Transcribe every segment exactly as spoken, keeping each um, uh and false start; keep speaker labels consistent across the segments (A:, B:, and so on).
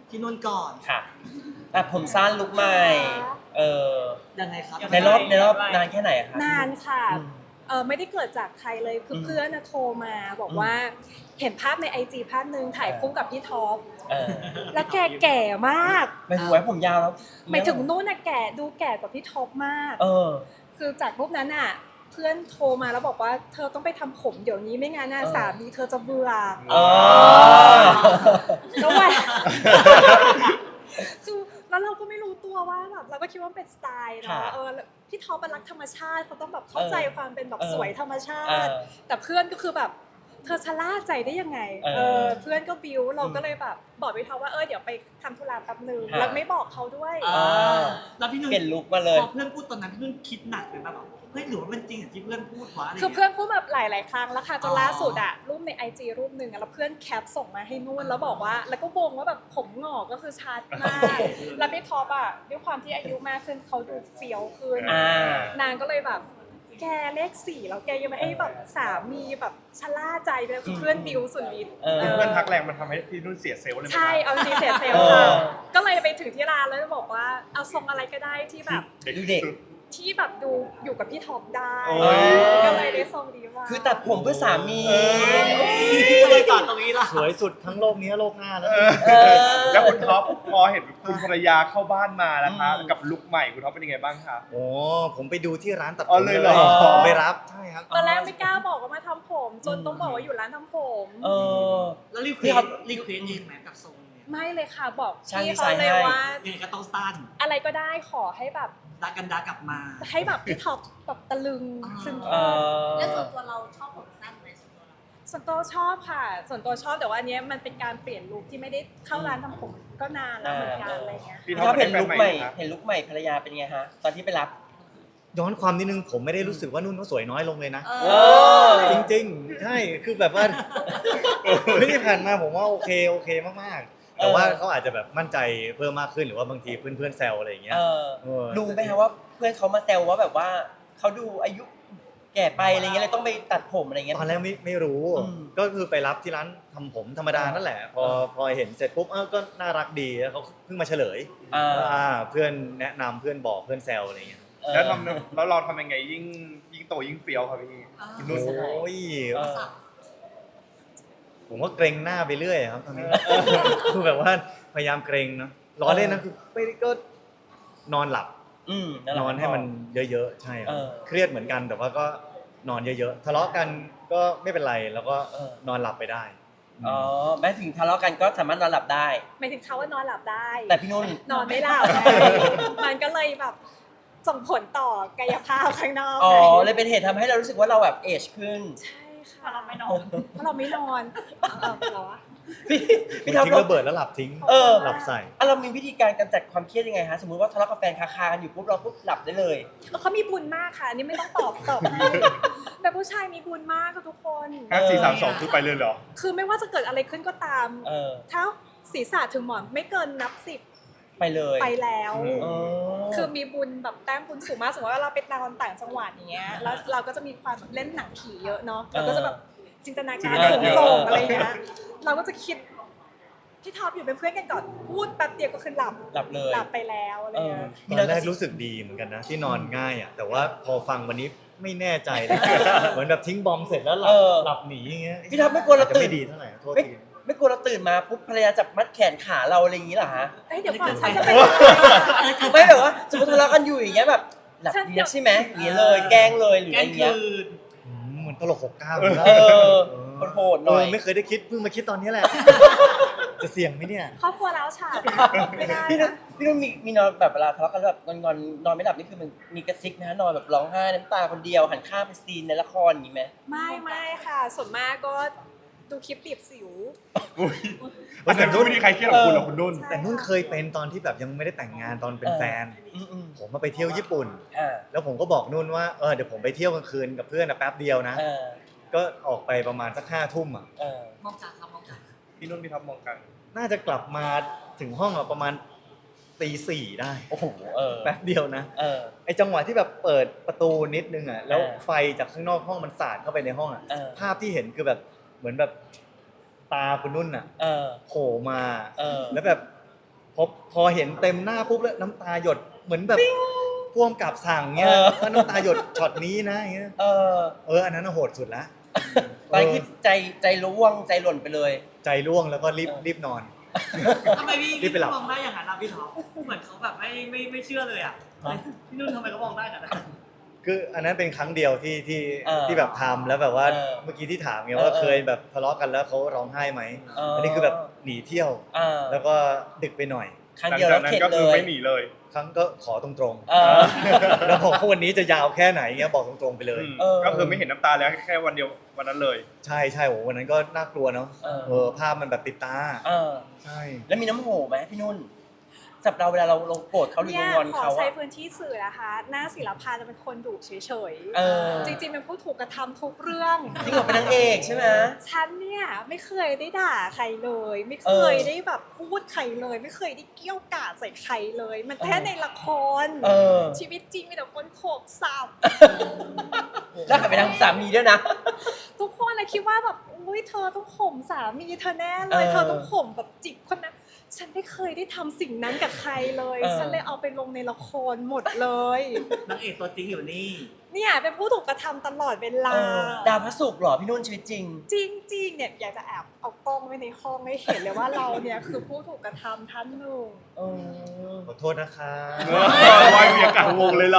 A: ที่นุ่นก่อน
B: ค่ะแต่ผมสั้นลุกใหม่เออ
A: ยังไงครับ
B: ในรอบในรอบนานแค่ไหนคะ
C: นานค่ะเออไม่ได้เกิดจากใครเลยคือเพื่อนโทรมาบอกว่าเห็นภาพในไอจีภาพนึงถ่ายคู่กับพี่ท็อปแล้วแกแก่มาก
B: ไม่ถูกไว้ผมยาวแล้ว
C: หมายถึงนู่นน่ะแก่ดูแก่กว่าพี่ท็อปมาก
B: เออ
C: คือจากรูปนั้นอ่ะเพื่อนโทรมาแล้วบอกว่าเธอต้องไปทำผมเดี๋ยวนี้ไม่งั้นน่ะสามีเธอจะเบื่อแล้วว่าคือแล้วเราก็ไม่รู้ตัวว่าแบบเราก็คิดว่าเป็นสไตล์เนาะเออพี่ท็อปเป็นรักธรรมชาติเขาต้องแบบเข้าใจความเป็นแบบสวยธรรมชาติแต่เพื่อนก็คือแบบเธอชะล่าใจได้ยังไงเออเพื่อนก็บิ้วเราก็เลยแบบบอกพี่ท็อปว่าเออเดี๋ยวไปทำธุระแป๊บนึงแล้วไม่บอกเขาด้วย
A: แล้วพี่นุ่น
B: เปลี่ยนลุคมาเลย
A: พอเพื่อนพูดตอนนั้นพี่นุ่นคิดหนักเลยป่ะแบบเฮ้ยหรือว่ามันจริงอย่างที่เพื่อนพูดวะอะไร
C: คือเพื่อนพูดแบบหลายๆครั้งแล้วค่ะจนล่าสุดอะรูปใน ไอ จี รูปหนึ่งแล้วเพื่อนแคปส่งมาให้นุ่นแล้วบอกว่าแล้วก็วงว่าแบบผมหงอกก็คือชัดมากแล้วพี่ท็อปอะด้วยความที่อายุมากขึ้นเขาดูเฟี้ยวขึ้นนางก็เลยแบบแกเลขสี่แล้วแกยังไม่ให้แบบสามีแบบชะล่าใจไปแล้วคือเพื่อนบิวสุดฤทธิ์
D: เพื่อนทักแรงมันทำให้พี่นุ่นเสียเซลล์เลย
C: ใช่เอาจริงเสียเซลล์ค่ะก็เลยไปถึงที่ร้านแล้วบอกว่าเอาทรงอะไรก็ได้ที่แบบ
B: ดูเด็ก
C: ที่แบบดูอยู่กับพี่ท็อปได้ก็เลยได้ทรงดีว่า
B: คือตัดผมเพื่อสามี
A: เลยตัดตรงนี้ล่ะ
E: สวยสุดทั้งโลกนี้โลกหน้าแล้ว
D: แล้วคุณท็อปพอเห็นคุณภรรยาเข้าบ้านมาแล้วคะกับลุคใหม่คุณท็อปเป็นยังไงบ้างคะ
E: โอ้ผมไปดูที่ร้านตัดผมเลยไปรับใช่ครับ
C: ตอนแรกไม่กล้าบอกว่ามาทำผมจนต้องบอกว่าอยู่ร้านทำผม
B: เออ
A: แล้วรีเควสรีเควสเองไหมกับทรงเนี่ย
C: ไม่เลยค่ะบอกพี่เขาเลยว่า
A: ยังไงก็ต้องสั้น
C: อะไรก็ได้ขอให้แบบ
A: ดักกันดักกลับมา
C: ให้แบบพี่ท็อปแบบตะลึงซึ่ง
F: แล้วส่วนตัวเราชอบผมสั้นไหมส่วนตัวเรา
C: ส่วนตัวชอบค่ะส่วนตัวชอบแต่ว่าอันนี้มันเป็นการเปลี่ยนลุคที่ไม่ได้เข้าร้านทำผมก็นานแล้วเหมือนกันอะไรเงี้ย
B: พี่ท็อปเห็นลุคใหม่เห็นลุคใหม่ภรรยาเป็นไงฮะตอนที่ไปรับ
E: ย้อนความนิดนึงผมไม่ได้รู้สึกว่านุ่นเขาสวยน้อยลงเลยนะจริงๆใช่คือแบบว่าไม่ได้ผ่านมาผมว่าโอเคโอเคมากๆแต่ว่าเขาอาจจะแบบมั่นใจเพิ่มมากขึ้นหรือว่าบางทีเพื่อนๆแซวอะไรอย่างเงี้ย
B: รู้ไหมคะว่าเพื่อนเขามาแซวว่าแบบว่าเขาดูอายุแก่ไปอะไรเงี้ยเลยต้องไปตัดผมอะไรเงี้ย
E: ตอนแรกไม่ไม่รู้ก็คือไปรับที่ร้านทำผมธรรมดานั่นแหละพอพอเห็นเสร็จปุ๊บเออก็น่ารักดีแล้วเขาเพิ่งมาเฉลยอ่าเพื่อนแนะนำเพื่อนบอกเพื่อนแซวอะไรเงี้ย
D: แล้วทำแล้วเราทำยังไงยิ่งยิ่งโตยิ่งเฟี้ยวครับพี่
E: นุ่นโอ้ยผมว่าเกรงหน้าไปเรื่อยครับตอนนี้คือแบบว่าพยายามเกรงเนาะล้อเล่นนะคือไม่ก็นอนหลับนอนให้มันเยอะๆใช่ครับเครียดเหมือนกันแต่ว่าก็นอนเยอะๆทะเลาะกันก็ไม่เป็นไรแล้วก็นอนหลับไปได้
B: อ๋อแม้ถึงทะเลาะกันก็สามารถนอนหลับได้
C: หมายถึงเขาว่านอนหลับได้
B: แต่พี่นุ่น
C: นอนไม่หลับมันก็เลยแบบส่งผลต่อกายภาพข้างนอก
B: อ๋อเลยเป็นเหตุทำให้เรารู้สึกว่าเราแบบเอจขึ้น
C: ใช่ค่ะเราไม่นอนเพราะเราไม่นอนเออเหรอ
E: พี่พี่ทิ้งระเบิดแล้วหลับทิ้ง
B: เออ
E: หลับใส่
B: อ่ะเรามีวิธีการกำจัดความเครียดยังไงฮะสมมติว่าทะเลาะกับแฟนคาๆกันอยู่ปุ๊บเราปุ๊บหลับได้เลย
C: เขามีบุญมากค่ะอันนี้ไม่ต้องตอบตอบแต่ผู้ชายมีบุญมากค่ะทุกคน
D: ห้าสี่สามสองคือไปเลยเหรอ
C: คือไม่ว่าจะเกิดอะไรขึ้นก็ตามถ้าศีรษะถึงหมอนไม่เกินนับสิบ
B: ไปเลย
C: ไปแล้วคือมีบุญแบบแต้มบุญสูงมากสมมติว่าเราไปนอนต่างจังหวัดอย่างเงี้ยแล้วเราก็จะมีความเล่นหนังผีเยอะเนาะเราก็จะแบบจินตนาการสูงส่งอะไรเงี้ยเราก็จะคิดพี่ท็อปอยู่เป็นเพื่อนกันก่อนพูดแป๊บเดียวก็คือหลับ
B: หลับเลย
C: หลับไปแล้วอะไรเงี้ย
E: ตอนแรกรู้สึกดีเหมือนกันนะที่นอนง่ายอ่ะแต่ว่าพอฟังวันนี้ไม่แน่ใจเลยเหมือนแบบทิ้งบอมเสร็จแล้วหลับหลับหนีอย่างเงี้ย
B: พี่ท็อปไม่กลัวเราตื่น
E: ไม่ดีเท่าไหร่โทษที
B: ไม่กลัวเราตื่นมาปุ๊บภรรยาจับมัดแขนขาเราอะไรอย่างงี้เหรอฮะ
C: เดี๋ยวก่อนฉันจะไป
B: ไม่แบบว่าสมมติทะเลาะกันอยู่อย่างเงี้ยแบบหลับดีใช่ไหมอย่างเงี้ยเลยแกล้งเลยหรืออะไรเงี้ย
E: เหมือนตลกหกเก้า
B: เออโหดหน่อย
E: ไม่เคยได้คิดเพิ่งมาคิดตอนนี้แหละจะเสี่ยงไหมเนี่ย
C: ครอบครัวแล้วฉาดไม่ได้
B: พี่นุ่นพี่นุ่นมีมีนอนแบบเวลาทะเลาะกันแบบงอนงอนนอนไม่หลับนี่คือมันมีกระซิกนะนอนแบบร้องไห้น้ำตาคนเดียวหันข้างไปซีนในละครอย่างงี้ไหม
C: ไม่ไม่ค่ะส่วนมากก็ดูคลิปบีบสิว
D: แต่นุ่นไม่มีใครเครียดกับคุณหรอกคุณนุ่น
E: แต่นุ่นเคยเป็นตอนที่แบบยังไม่ได้แต่งงานตอนเป็นแฟนผมมาไปเที่ยวญี่ปุ่นแล้วผมก็บอกนุ่นว่าเออเดี๋ยวผมไปเที่ยวกลางคืนกับเพื่อนนะแป๊บเดียวนะก็ออกไปประมาณสักห้าทุ่มอ่ะ
A: มองจากครับมองจาก
D: พี่นุ่นพี่ท็อปมองกัน
E: น่าจะกลับมาถึงห้องอ่ะประมาณตีสี่ได้
B: โอ้โห
E: แป๊บเดียวนะไอจังหวะที่แบบเปิดประตูนิดนึงอ่ะแล้วไฟจากข้างนอกห้องมันสาดเข้าไปในห้องอ่ะภาพที่เห็นคือแบบเหมือนแบบตาคุณนุ่นอ่ะโผล่มาแล้วแบบพอพอเห็นเต็มหน้าปุ๊บแล้วน้ำตาหยดเหมือนแบบพ่วงกับสั่งเงี้ย
B: เออ
E: ว่าน้ำตาหยดช็อตนี้นะอย่างเงี้ย
B: เออ
E: เอออันนั้นน่ะโหดสุดละ
B: ตอนนี้คือใจใจร่วงใจหล่นไปเลย
E: ใจร่วงแล้วก็รีบ
B: เออ
E: รีบนอน
A: ทำไมพี่
E: รีบไปหลับ
A: มองได้อย่างนั้นล่ะพี่ท็อปเหมือนเขาแบบไม่ไม่ไม่เชื่อเลยอ่ะพี่นุ่นทำไมเขามองได้กันนะ
E: คืออันนั้นเป็นครั้งเดียวที่ที่
B: เออ
E: ที่แบบทำแล้วแบบว่า
B: เออ
E: เมื่อกี้ที่ถามไง
B: เออ
E: ว่า
B: เออ
E: เคยแบบทะเลาะกันแล้วเขาร้องไห้ไหม
B: เอออั
E: อันนี้คือแบบหนีเที่ยว
B: เออ
E: แล้วก็ดึกไปหน่อย
B: ครั้ง
D: หลัง
B: เดียว
D: จา
B: แล้
D: ก
B: ว
D: นั้น
B: เข็ด
D: ก็
B: เล
D: คือย ไม่หนีเลย
E: ครั้งก็ขอตรง
B: เออ
E: ๆ แล้วบอกว่าวันนี้จะยาวแค่ไหนเงี้ยบอกตรงๆไปเลย
B: เออ
D: ก็คือไม่เห็นน้ำตาแล้วแค่วันเดียววันนั้นเลย
E: ใช่ใช่โหวันนั้นก็น่ากลัวเนาะ
B: เออ
E: เออภาพมันแบบติดตา
B: เออ
E: ใช่
B: แล้วมีน้ำโหไหมพี่นุ่นสำหรับเราเวลาเราเราโกรธเขาหรือ
C: เนี่ย
B: เรางอน
C: ขอ
B: เขา
C: ใช้
B: อะ
C: พื้นที่สื่อนะคะ หน้าศิลปาจะเป็นคนดุเฉย
B: เออ
C: ๆ จริงๆเป็นผู้ถูกกระทำทุกเรื่อง
B: จริงเหรอเป็นนางเอกใช่ไหม
C: ฉันเนี่ยไม่เคยได้ด่าใครเลย ไม่เคย
B: เออ
C: ได้แบบพูดใครเลย ไม่เคยได้เกี้ยวกาดใส่ใครเลย มันแค่
B: เออ
C: ในละคร
B: เออ
C: ชีวิตจริงมีแต่คนโขกสับ
B: แล้วหันไปทางสามีด้วยนะ
C: ทุกคนนะคิดว่าแบบอุ้ยเธอต้องข่มสามีเธอแน่เลย
B: เออ
C: เธอต้องข่มแบบจิกคนนั้นฉันไม่เคยได้ทำสิ่งนั้นกับใครเลย
B: เออ
C: ฉันเลยเอาไปลงในละครหมดเลย
A: นางเอกตัวจริงอยู่นี่
C: เนี่ยเป็นผู้ถูกกระทำตลอดเวลา
B: เออดาวพระศุกร์เหรอพี่นุ่นชีวิตจริง
C: จริงๆเนี่ยอยากจะแอบเอากล้องไว้ในห้องให้เห็นเลยว่าเราเนี่ยคือผู้ถูกกระทำท่านหนึ่ง
B: เออ
E: ขอโทษนะคะ
D: วายเมียกลางวงเลยเหรอ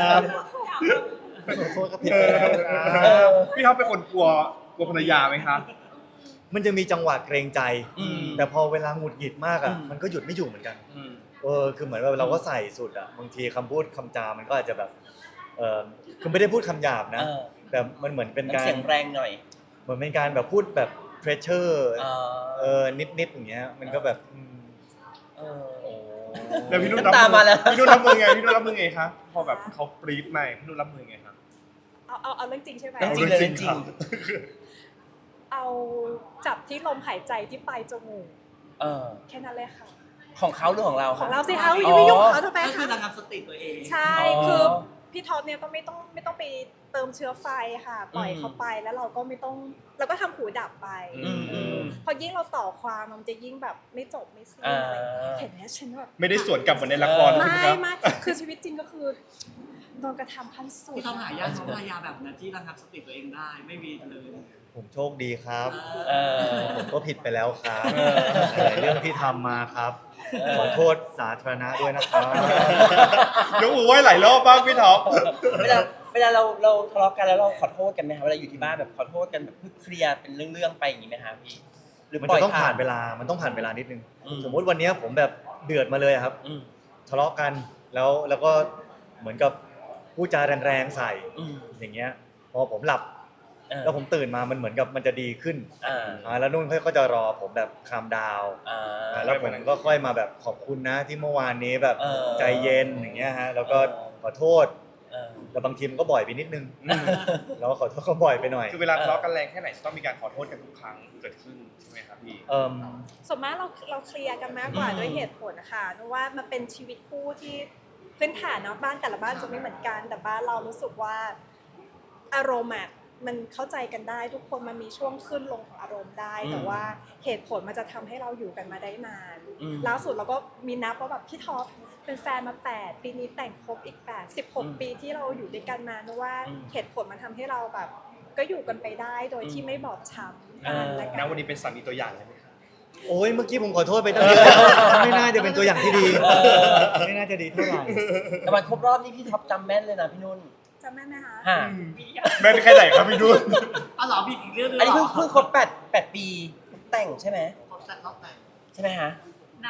E: ขอโทษครับผิดไปแล้วครับ
B: เออ
D: พี่ท็อปเป็นคนกลัวกลัวภรรยาไหมคะ
E: มันจะมีจังหวะเกรงใจ
B: อืม
E: แต่พอเวลาหงุดหงิดมากอ่ะ
B: อืม
E: มันก็หยุดไม่อยู่เหมือนกัน
B: อืม
E: เออคือเหมือนว่าเราก็ใส่สุดอ่ะบางทีคำพูดคำจา มันก็อาจจะแบบเออคือไม่ได้พูดคำหยาบนะ
B: เออ
E: แต่มันเหมือนเป็น
B: น้ำ
E: การ
B: เสียงแรงหน่อย
E: เหมือนเป็นการแบบพูดแบบ pressure
B: เอ
E: เอ
B: อ
E: อนิดๆอย่างเงี้ยมันก็แบบอืม
B: เออ
E: โอ้
D: แล้วพี่นุ่น
B: น้ำตามาแล้ว
D: พี่นุ่นรับมือไงพี่นุ่นรับมือไงคะพอแบบเขาปรี๊ดมาพี่นุ่นรับมือไงคะ
C: เอาเอาเอาเรื่องจริงใช่ไหม
B: เรื่องจริงเลยเรื่องจริง
C: เอาจับที่ลมหายใจที่ปลายจมูก
B: เออ
C: แค่นั้นเลยค่ะ
B: ของเขาหรือของเรา
C: ของ
B: คะ
C: เราสิคะอย่าไปยุ่งกับเขาทำไม
A: ก็คือ
C: คะ
A: ระงับสติตัวเอง
C: ใช่
B: อ๋อ
C: คือพี่ท็อปเนี่ยก็ไม่ต้องไม่ต้องไปเติมเชื้อไฟค่ะ ปล่อย
B: อืม
C: เขาไปแล้วเราก็ไม่ต้องเราก็ทำหูดับไป
B: อืมอืม
C: พอยิ่งเราต่อความมันจะยิ่งแบบไม่จบไม่สิ้น
B: อ่า
C: อะไรอย่างเงี้ยเห็นไหมฉันแบบ
D: ไม่ได้สวนกลับเหมือนในละคร
B: เออ
D: ใช่ไหม
C: ไม่
D: ครับ
C: ไม่คือชีวิตจริงก็คือโดนกระทำขั้นสุด
A: พี่ท็อปหายากเพราะภรรยาแบบนั้นที่ระงับสติตัวเองได้ไม่มีเลย
E: ผมโชคดีครับ
B: เออ
E: ผมก็ผิดไปแล้วครับ
B: เออ
E: หลายเรื่องที่ทำมาครับ
B: เออ
E: ขอโทษสาธารณะด้วยนะครับ
D: ยกมือไหว้หลายรอบบ้างพี่ท็อป
B: เวลาเวลาเราเราทะเลาะกันแล้วเราขอโทษกันไหมคะเวลาอยู่ที่บ้านแบบขอโทษกันแบบเพื่อเคลียร์เป็นเรื่องๆไปอย่างนี้ไหมคะพี่หรือ
E: มัน
B: ปล่
E: จะ
B: อย
E: ต้องผ่านเวลา มันต้องผ่านเวลานิดนึง
B: อืม
E: สมมุติวันเนี้ยผมแบบเดือดมาเลยอะครับ
B: อืม
E: ทะเลาะกันแล้วแล้วก็เหมือนกับพูดจาแรงๆใส่
B: อืม
E: อย่างเงี้ย พอผมหลับ
B: เออ
E: แล้วผมตื่นมามันเหมือนกับมันจะดีขึ้น
B: อ่า
E: อ่าแล้วนุ่นเขาก็จะรอผมแบบคามดาว
B: อ่า
E: แล้วผมก็ค่อยมาแบบขอบคุณนะที่เมื่อวานนี้แบบ
B: เออ
E: ใจเย็นอย่างเงี้ยฮะแล้วก็ขอโทษ
B: เออ
E: แต่บางทีมันก็บ่อยไปนิดนึงเราก็ขอโทษก็บ่อยไปหน่อย
D: คือเวลาทะเลาะกันแรงแค่ไหนจะต้องมีการขอโทษกันทุกครั้งเกิดขึ้นใช่ไหมครับพี่
E: เอ่ม
C: ส่วนมากเราเราเคลียร์กันมากกว่า
B: อืม
C: ด้วยเหตุผลนะคะเพราะว่ามันเป็นชีวิตคู่ที่พื้นฐานเนาะบ้านแต่ละบ้านจะไม่เหมือนกัน แต่บ้านเรารู้สึกว่าอารมณ์อะมันเข้าใจกันได้ ทุกคนมันมีช่วงขึ้นลงของอารมณ์ได้ แต่ว่าเหตุผลมันจะทำให้เราอยู่กันมาได้นาน
B: อืม
C: ล่าสุดเราก็มีนับว่าแบบพี่ท็อปเป็นแฟนมาแปดปีนี้แต่งครบอีกแปด สิบหก
B: อืม
C: ปีที่เราอยู่ด้วยกันมาเพราะว่า
B: อืม
C: เหตุผลมันทำให้เราแบบ ก็อยู่กันไปได้โดยที่
B: อืม
C: ไม่บอบช้ำ
B: อ่า
C: กันและกั
D: ณ
C: น
D: วันนี้เป็นสามีตัวอย่างเลยไหมครับ
E: โอ้ยเมื่อกี้ผมขอโทษไปตั้งเยอะไม่น่าจะเป็นตัวอย่างที่ดี
B: เออ
E: ไม่น่าจะดีเท่าไหร่
B: แต่วันครบรอบนี่พี่ท็อปจำแม่นเลยนะพี่นุ่น
C: จำได้ไหมคะ
B: ฮะ
D: แม่นแค่ไหนครับพี่นุ่น
A: อ๋อเหรอพี่อีกเรื่องนึง
B: อันนี้
A: เหร
B: เพิ่งเพิ่งครบแปดแปดปีแต่งใช่ไหม
A: ครบแต่รอบแต่ง
B: ใช่ไหมฮะ
A: นะ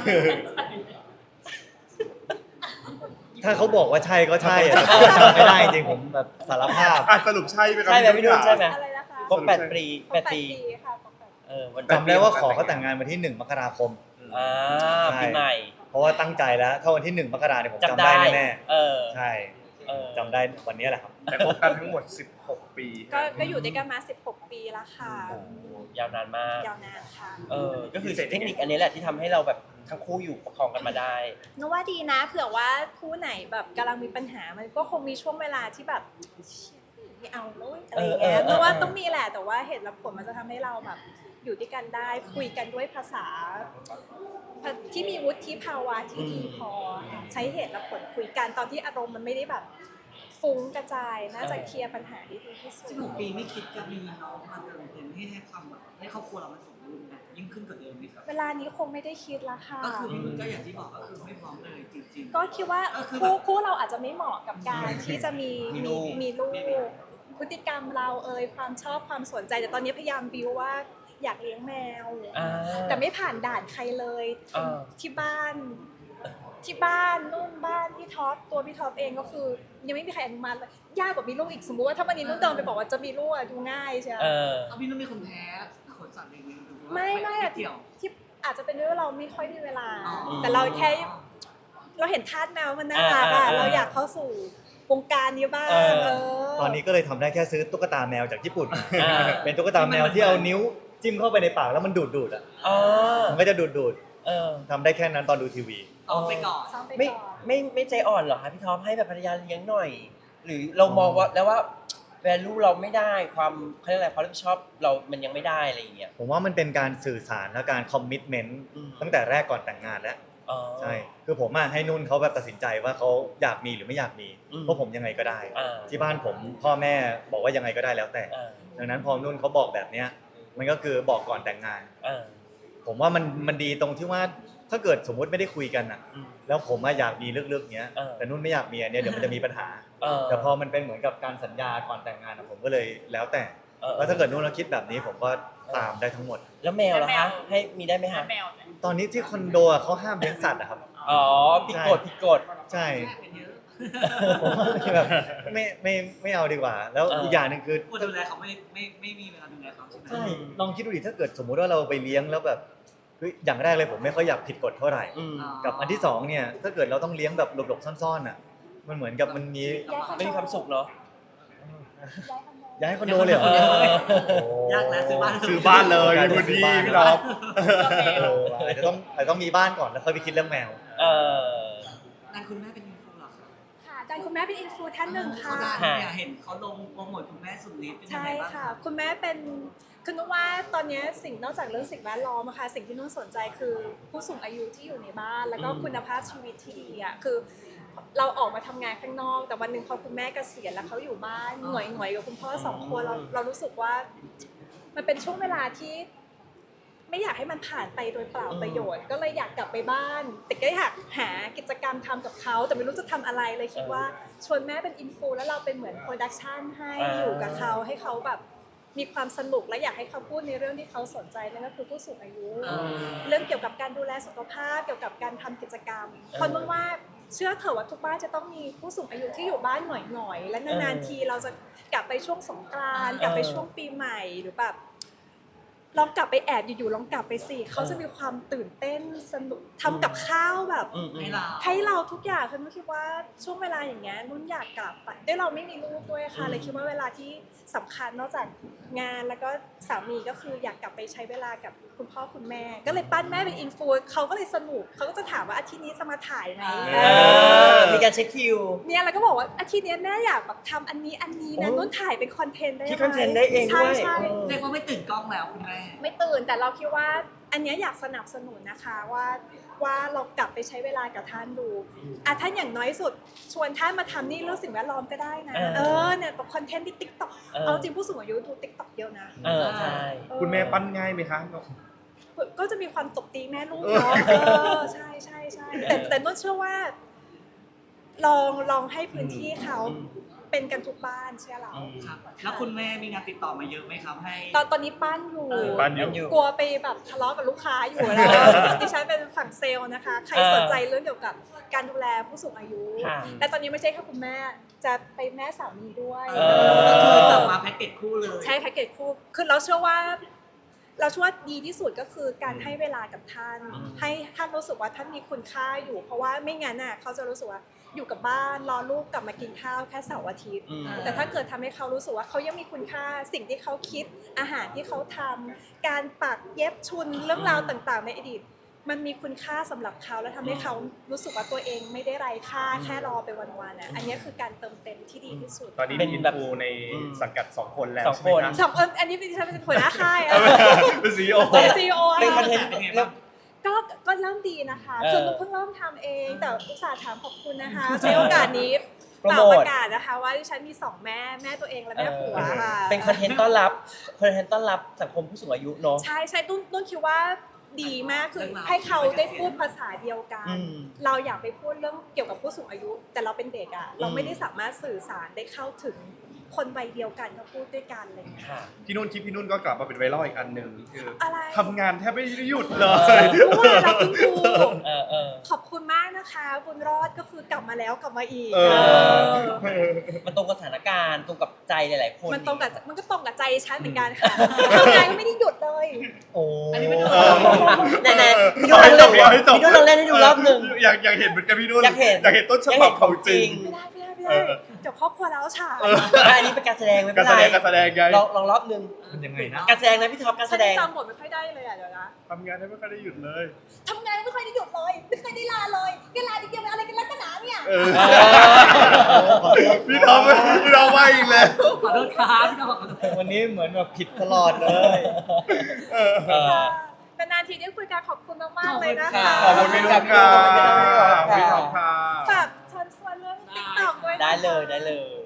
E: ถ้าเขาบอกว่าใช่ก็ใช่อะแต่ผมจำไม่ได้จริงๆผมแบบสารภาพ
D: อ่ะสรุปใช่ไหมครับ
B: ใช่ไหมพี่นุ่นใช่ไหม
C: อะไรนะคะ
B: ครบแปดปี
C: ครบ
B: แปด
C: แปด
B: ปี
C: ปีค่ะครบแปดปี
B: เออวัน
E: จำได้ว่าขอเขาแต่งงานวันที่หนึ่งมกราคม
B: อ่า
E: ใช่
B: ปีใหม่
E: เพราะว่าตั้งใจแล้ว ถ้าวันที่หนึ่งมกราเนี่ยผมจำ
B: จำ
E: ได้
B: ได้
E: แน่
B: เออ
E: ๆใช่
B: เออ
E: จำได้วันนี้แหละครับ
D: แต่คบกันทั้งหมดสิบหกปี
C: ก็ก็อยู่ด้วยกันมาสิบหกปีแล้วค่ะ
B: โอ้ยาวนานมาก
C: ยาวนานค่ะ
B: เออ ก็คือเทคนิคอันนี้แหละที่ทำให้เราแบบทั้งคู่อยู่ประคองกันมาได้
C: นึกว่าดีนะเผื่อว่าคู่ไหนแบบกำลังมีปัญหามันก็คงมีช่วงเวลาที่แบบเชี่ยไม่เอาเลยอะไรอย่างเงี้ย
B: เออเออเออ
C: นึกว่าต้องมีแหละแต่ว่าเหตุและผลมันจะทำให้เราแบบอยู่ด้วยกันได้ คุยกันด้วยภาษาภาภที่มีวุฒิภาวะที่ดีพอใช้เหตุและผลคุยกันตอนที่อารมณ์มันไม่ได้แบบฟุ้งกระจายน่าจะเคลียร์ปัญหาได้ดีที่สุด
A: สิบหกปีไม่คิดจะมีน้องมาเติมเต็มให้ให้ความแบบให้ครอบครัวเรามันสมบูรณ์แบบยิ่งขึ้นกว่าเดิมไหมครับ
C: เวลานี้คงไม่ได้คิดละค่ะ
A: ก็คือพี่นุ่นก็อย่างที่บอกก็คือไม่พร้อมเลยจริงๆ
C: ก็คิดว่า
A: ก็คือ
C: คู่คู่เราอาจจะไม่เหมาะกับการที่จะมี
B: มีลูก
C: มีลูกพฤติกรรมเราเอ่ยความชอบความสนใจแต่ตอนนี้พยายามบิวว่าอยากเลี้ยงแมว
B: อ่า
C: แต่ไม่ผ่านด่านใครเลย
B: อ่า
C: ที่บ้านที่บ้านนู่นบ้านพี่ท็อปตัวพี่ท็อปเองก็คือ ยังไม่มีใครอนุมัติเลยยากกว่ามีลูกอีกสมมุติว่าถ้าวันนี้นุ่นเดินไปบอกว่าจะมีลูกอะดูง่ายใช่ไหม
B: เออ
A: เอาพี่นุ่นเป็นคนแพ้ขนสัตว์เลี้ยงหรือว่า
C: ไม่ไม่อะ
A: เกี่ยว
C: ที่อาจจะเป็นด้วยว่าเราไม่ค่อยมีเวลา
A: อ๋อ
C: แต่เราแค่เราเห็นทาสแมวมันน่ารักอะ
B: อ่าอ่า
C: เราอยากเข้าสู่วงการนี้บ้าง
B: เออ
C: เออ
E: ตอนนี้ก็เลยทำได้แค่ซื้อตุ๊กตาแมวจากญี่ปุ่นมา
B: อ่า
E: เป็นตุ๊กตาแมวที่เอานิ้วจิ้มเข้าไปในปากแล้วมันดูดดูดๆอ่ะ
B: อ๋อ
E: มันก็จะดูดดูด
B: เออ
E: ๆทำได้แค่นั้นตอนดูทีวี
A: ซ้อมไปก่อน
C: ซ้อมไป
B: ไม่
C: ก่อน
B: ไม่ไม่ใจอ่อนเหรอคะพี่ท็อปให้แบบภรรยาเลี้ยงหน่อย หรือเรามองว่าแล้วว่าแวลูเราไม่ได้ความเขาเรียกอะไรความรับผิดชอบเรามันยังไม่ได้อะไรอย่างเงี้ย
E: ผมว่ามันเป็นการสื่อสารและการคอมมิตเมนต์
B: อืม
E: ตั้งแต่แรกก่อนแต่งงานแล้ว
B: อ๋อ
E: ใช่ คือผมอะให้นุ่นเขาแบบตัดสินใจว่าเขาอยากมีหรือไม่อยากมี
B: อืม
E: เพราะผมยังไงก็ได้
B: อ่า
E: ที่บ้านผมพ่อแม่บอกว่ายังไงก็ได้แล้วแต่
B: อ่า
E: ดังนั้นพอนุ่นเขาบอกแบบเนี้ยมันก็คือบอกก่อนแต่งงาน
B: อ่า
E: ผมว่ามันมันดีตรงที่ว่าถ้าเกิดสมมุติไม่ได้คุยกันอะ
B: อืม
E: แล้วผมอะอยากมีลึกๆเนี้ย
B: เออ
E: แต่นุ่นไม่อยากมีอันเนี้ยเดี๋ยวมันจะมีปัญหา
B: เออ
E: แต่พอมันเป็นเหมือนกับการสัญญาก่อนแต่งงานอะผมก็เลยแล้วแต่
B: เออ
E: ว่าถ้าเกิดนุ่นเราคิดแบบนี้ผมก็ตามได้ทั้งหมด
B: แล้วแมวล่ะคะให้มีได้ไหมคะ
F: แมวเนี่ย
E: ตอนนี้ที่คอนโดอะเขาห้ามเลี้ยงสัตว์อะครับ
B: อ๋อผิดกฎผิดกฎ
E: ใช่
A: แม่เป็นเยอะ
E: ผมว่าแบบไม่ไม่ไม่เอาดีกว่า แล้ว
B: เอออี
E: อีกอย่างหนึ่งคือ
A: คนดูแลเขาไม่ไม่ไม่มีเวลาดูแลเขาใช่ไหม
E: ใช่ลองคิดดูดิถ้าเกิดสมมุติว่าเราไปเลี้ยงแล้วแบบเฮ้ยอย่างแรกเลยผมไม่ค่อยอยากผิดกฎเท่าไหร่
B: อืม
E: กับอันที่สองเนี่ยถ้าเกิดเราต้องเลี้ยงแบบหลบๆซ่อนๆอ่ะมันเหมือนกับมันมี
B: ไม่มีความสุขเนาะ
C: ย้ายคอนโด
E: ย้ายคอนโดเลยเหรอ
B: เออ
E: โอ้
A: ยากแล้วซื้อบ้าน
D: ซื้อบ้านเลย
E: กลาย
D: คุ
E: เป็
D: ณ
E: นซื้
D: ดี
E: อบ้าน
D: พี่ท็อป
E: เอออาจจะต้องอาจจะต้องมีบ้านก่อนแล้วค่อยไปคิดเรื่องแมว
B: เออ
A: นั่นคุณแม่เป็นอินฟูเหรอคะ
C: ค่ะดันคุณแม่เป็นอินฟูท่านหนึ่งค่ะ
A: เขาดังเนี่ยเห็นเขาลงโปรโมทคุณแม่สุดฤทธิ์เป็นยัง
C: ใช่
A: ไงบ้าง
C: ค่ะ คุณแม่เป็นคือนุ่นว่าตอนนี้สิ่งนอกจากเรื่องสิ่งแวดล้อมอะค่ะสิ่งที่นุ่นสนใจคือผู้สูงอายุที่อยู่ในบ้าน แล้วก็
B: อืม
C: คุณภาพชีวิตที่ดีอ่ะคือ เราออกมาทำงานข้างนอก แต่วันหนึ่งพอคุณแม่เกษียณแล้วเขาอยู่บ้านหน่วยหน่วยๆกับคุณพ่อสองคนเราเรารู้สึกว่า มันเป็นช่วงเวลาที่ ไม่อยากให้มันผ่านไปโดยเปล่าประโยชน์ ก็เลยอยากกลับไปบ้าน แต่ก็อยากหากิจกรรมทำกับเขาแต่ไม่รู้จะทำอะไรเลยคิดว่าชวนแม่เป็นอินฟูแล้วเราเป็นเหมือนโปรดักชันให้
B: อ่า
C: อยู่กับเขาให้เขาแบบมีความสนุกและอยากให้เขาพูดในเรื่องที่เขาสนใจนั่นก็คือผู้สูงอายุ
A: อืม
C: เรื่องเกี่ยวกับการดูแลสุขภาพเกี่ยวกับการทำกิจกรรมเพราะนุ่นว่าเชื่อเถอะว่าทุกบ้านจะต้องมีผู้สูงอายุที่อยู่บ้านหน่อยๆและนานๆทีเราจะกลับไปช่วงสงกรานต์กลับไปช่วงปีใหม่หรือแบบลองกลับไปแอบอยู่ๆลองกลับไปสิเขาจะมีความตื่นเต้นสนุกทำกับข้าวแบบ
B: อืมอื
A: ให้
B: ม
A: เรา
C: ให้เราทุกอย่างคือนุ่นคิดว่าช่วงเวลาอย่างเงี้ยนุ่นอยากกลับไปด้วยเราไม่มีลูกด้วยค่ะ
B: อืม
C: เลยคิดว่าเวลาที่สำคัญนอกจากงานแล้วก็สามีก็คืออยากกลับไปใช้เวลากับคุณพ่อคุณแม่ ก็เลยปั้นแม่เป็นอินฟูเขาก็เลยสนุกเขาก็จะถามว่าอาทิตย์นี้จะมาถ่ายไหม
B: เออมีการเช็คคิว
C: เนี่ยเราก็บอกว่าอาทิตย์นี้แม่อยากแบบทำอันนี้อันนี้นะ
B: โอ้
C: นุ่นถ่ายเป็นคอนเทนต์ได้
B: คิด
C: ไหม
B: คอนเทนต์ได้เองด้วย
C: ใช่ใช่
B: เออ
A: เรียกว่าไม่ตื่นกล้องแล้วคุณแม่
C: ไม่ตื่นแต่เราคิดว่าอันเนี้ยอยากสนับสนุนนะคะว่าว่าเรากลับไปใช้เวลากับท่านดูอ่ะท่านอย่างน้อยสุดชวนท่านมาทำนี่เรื่องสิ่งแวดล้อมก็ได้นะ
B: เออ
C: เออเนี่ยแบบคอนเทนต์ที่ติ๊กต็อก
B: เออ
C: เอาจริงผู้สูงอายุดูติ๊กต็อกเยอะนะ
B: เออใช่
C: เออ
D: คุณแม่ปั้นง่ายไหมคะ
C: ก็จะมีความตบตีแม่ลูกเนาะเออใช่ใช่ใช่แต่แต่นุ่นเชื่อว่า ลองลองให้พื้นที่เขาเป็นกันทุกบ้านเชื่อเรา
B: อืม
A: ครับ แล้วคุณแม่มีงานติดต่อมาเยอะไหมครับให้
C: ตอนตอนนี้ปั้นอยู่
A: เออ
D: ปั้นอยู่
C: กลัวไปแบบทะเลาะกับลูกค้าอยู่แล้ว ดิฉันเป็นฝั่งเซลล์นะคะ ใครสนใจเรื่องเกี่ยวกับการดูแลผู้สูงอายุ
B: ค่ะ
C: แต่ตอนนี้ไม่ใช่แค่คุณแม่ จะไปแม่สามีด้วย
A: เออก็คือกลับมาแพ็กเกจคู่เลย
C: ใช่แพ็กเกจคู่คือเราเชื่อว่า เราเชื่อว่าดีที่สุดก็คือการให้เวลากับท่าน
B: อืม
C: ให้ท่านรู้สึกว่าท่านมีคุณค่าอยู่ เพราะว่าไม่งั้นน่ะเขาจะรู้สึกว่าอยู่กับบ้านรอลูกกลับมากินข้าวแค่เสาร์อาทิตย์
B: อืม
C: แต่ถ้าเกิดทำให้เขารู้สึกว่าเขายังมีคุณค่าสิ่งที่เขาคิดอาหารที่เขาทำการปักเย็บชุนเรื่องราวต่างๆ ในอดีต มันมีคุณค่าสำหรับเขาและทำให้เขารู้สึกว่าตัวเองไม่ได้ไร้ค่าแค่รอไปวันๆน่ะอันนี้คือการเติมเต็มที่ดีที่สุด
D: ตอนนี้
B: เป็
D: มี
B: น
D: อิน
B: แบบ
D: ฟูใน
B: อืม
D: สังกัดสองคนแล้ว
B: สอง
D: ใช่ไหม
B: คน
D: คะ
C: สองคนอันนี้เป็นดิฉันเป็นหัวหน้าค่ายอะ
D: เป็นซีอีโอ
C: เป็นซีอีโออะ
B: เป็นคอนเทนต์
A: เป็นไง
B: เรีย
A: บ้าก ง
C: ก็ก็เริ่มดีนะคะ
B: เออ
C: คือนุกเพิ่งเริ่มทำเอง แต่อุตส่าห์ถามขอบคุณนะคะใช้โอกาสนี้
B: โปร
C: กล่า
B: โม
C: ว
B: ท
C: ประกาศนะคะว่าดิฉันมีสองแม่แม่ตัวเองและแม่ผัวค่ะ
B: เป็นคอนเทนต์ต้อนรับคอนเทนต์ต้อนรับสังคมผู้สูงอายุเนาะ
C: ใช่ใช่ตุ้นตุ้นคิดว่าดีมากคือให้เขาได้พูดภาษาเดียวกัน
B: อืม
C: เราอยากไปพูดเรื่องเกี่ยวกับผู้สูงอายุ แต่เราเป็นเด็กอะเราไม่ได้สามารถสื่อสารได้เข้าถึงคนวัยเดียวกันก็พูดด้วยกันอะไรอย่างเงี้ย
B: ค่ะ
D: พี่นุ่นคลิปพี่นุ่นก็กลับมาเป็นไวรัลอีกอันหนึ่งคือ
C: อะไร
D: ทำงานแทบไม่ได้หยุดเลย
C: เมื่อวานเราคุณครู
B: เออเออ
C: ขอบคุณมากนะคะบุญรอดก็คือกลับมาแล้วกลับมาอีก
D: เออ
B: มันตรงกับสถานการณ์ตรงกับใจหลายๆคน
C: มันตรงกับมันก็ตรงกับใจฉันเหมือนกันค่ะทำงานก็ไม่ได้หยุดเลย
B: โอ้
A: อันนี้ไม่ได้
B: ไหนๆพี่นุ่นลองเล่น
D: ให้จบ
B: พี่นุ่นลองเล่นให้ดูรอบหนึ่ง
D: อยากอยากเห็นเหมือนกันพี่นุ่น
B: อยากเห็น
D: อยากเห็นต้นฉบับของจริง
C: ไม่ได้ไม่ได้ไม่
D: เอ
C: ได้
D: อ
C: เดี๋ยวครอบครัวแล้วฉาย
B: อันนี้เป็นการแสดงไม่
D: กา
B: เป็
D: ร
B: น
D: แส
B: ไร
D: ดงการแสดงไง
B: ลองลองรอบหนึ่ง
E: มันยังไงนะ
B: การแสดงนะพี่ท็อปการ
C: ฉั
B: แส
C: น
B: ดง
C: จำบทไม่ค่อยได้เลยอ่ะเดี๋ยวนะ
D: ทำงานแทบไม่เคยได้หยุดเลย
C: ทำงานไม่เคยได้หยุดเลยไม่เคยได้ลาเลยแค่ลาทีเดียวอะไรกันลักหนาเนี่ย
D: เออพี่ท็อปพี่ท็อปว่าอีกแล้ว
A: ขอโทษครับพี่น้องขอโทษ
E: วันนี้เหมือนแบบผิดตลอดเลย
B: เออ
C: แต่นานทีได้คุยกันขอบคุณมากๆเลยนะคะ
D: ขอบคุณพี่นุ่นค่ะพี่ท็อปค่ะ
C: ฝากเชิญชวนเรื่องติ๊กต็อกด้วยนะคะ
B: ได้เลยได้เลย